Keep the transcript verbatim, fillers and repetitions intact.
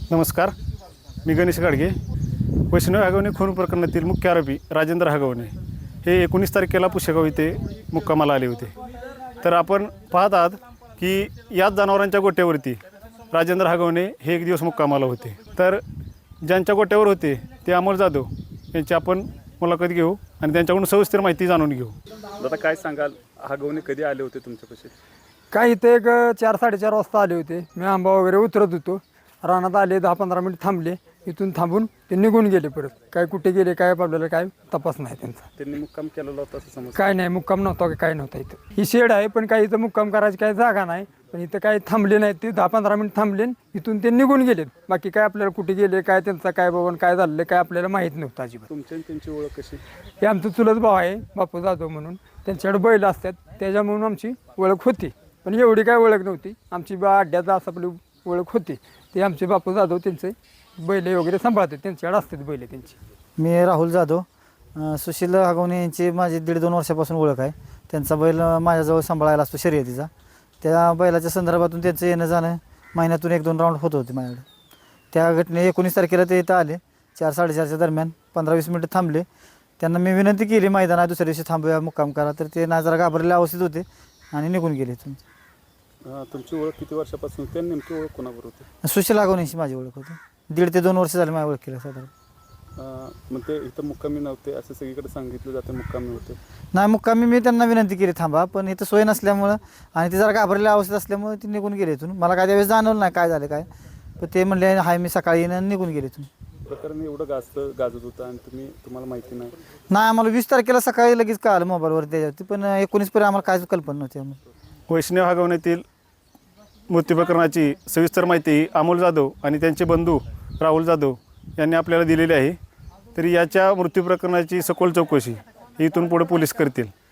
नमस्कार, मी गणेश गाडगे. वैष्णव हगवणे खून प्रकरणातील मुख्य आरोपी राजेंद्र हगवणे हे एकोणीस तारखेला पुशेगाव येथे मुक्कामाला आले होते. तर आपण पाहत आहात की याच जनावरांच्या गोट्यावरती राजेंद्र हगवणे हे एक दिवस मुक्कामाला होते. तर ज्यांच्या गोट्यावर होते ते अमोल जाधव यांची आपण मुलाखत घेऊ आणि त्यांच्याकडून सविस्तर माहिती जाणून घेऊ. दादा काय सांगाल, हगवणे कधी आले होते तुमच्यापाशी? काय इथे एक चार साडेचार वाजता आले होते. मी आंबा वगैरे उतरत होतो, रानात आले, दहा पंधरा मिनिट थांबले, इथून थांबून ते निघून गेले. परत काय कुठे गेले काय आपल्याला काय तपास नाही त्यांचा. त्यांनी मुक्काम केलेला होता असं समज? काय नाही, मुक्काम नव्हता की काय नव्हता. इथं ही शेड आहे पण काही इथं मुक्काम करायची काही जागा नाही. पण इथं काय थांबले नाहीत, ते दहा पंधरा मिनिट थांबले, इथून ते निघून गेलेत. बाकी काय आपल्याला कुठे गेले काय त्यांचा काय बघून काय झालं काय आपल्याला माहीत नव्हतं अजिबात. तुमची आणि त्यांची ओळख कशी? हे आमचं चुलत भाव आहे बापू जाधव म्हणून, त्यांच्याकडे बैल असतात त्याच्यामुळून आमची ओळख होती. पण एवढी काय ओळख नव्हती आमची. बा अड्ड्याचा असं आपली ओळख होती. ते आमचे बापू जाधव त्यांचे बैल वगैरे सांभाळतात, त्यांच्याकडे असतात बैल त्यांची. मी राहुल जाधव. सुशील हगवणे यांची माझी दीड दोन वर्षापासून ओळख आहे. त्यांचा बैल माझ्याजवळ सांभाळायला असतो शर्यतीचा. त्या बैलाच्या संदर्भातून त्यांचं येणं जाणं महिन्यातून एक दोन राऊंड होत होते माझ्याकडे. त्या घटने एकोणीस तारखेला ते इथं आले चार साडेचारच्या दरम्यान. पंधरा वीस मिनटं थांबले. त्यांना मी विनंती केली मैदानात दुसऱ्या दिवशी थांबूया मुक्काम करा, तर ते ना जरा घाबरलेले अवस्थेत होते आणि निघून गेले. तुमची ओळख किती वर्षापासून होती आणि नेमकी ओळख कोणाबरोबर होती? सुशील हगवणेची माझी ओळख होती. दीड ते दोन वर्ष झाले माझ्या ओळखीला साधारण. मग ते इथं मुक्कामी नव्हते असं सगळीकडे सांगितलं जातं, मुक्कामी होते? नाही, मुक्कामी मी त्यांना विनंती केली थांबा, पण इथं सोय नसल्यामुळं आणि ते जरा घाबरलेल्या अवस्थेत असल्यामुळे ते निघून गेले इथून. मला काय त्यावेळेस जाणवलं नाही काय झालं काय, पण ते म्हणले हाय मी सकाळी येणं आणि निघून गेले इथून. प्रकरण एवढं गाजतं गाजत होतं आणि तुम्ही तुम्हाला माहिती नाही? नाही, आम्हाला वीस तारखेला सकाळी लगेच कळालं मोबाईलवर त्याच्यावरती, पण एकोणीस पर्यंत आम्हाला काहीच कल्पना नव्हती. आम्हाला वैष्णव हगवण्यातील मृत्यू प्रकरणाची सविस्तर माहिती अमोल जाधव आणि त्यांचे बंधू राहुल जाधव यांनी आपल्याला दिलेली आहे. तरी याच्या मृत्यू प्रकरणाची सखोल चौकशी इथून पुढे पोलीस करतील.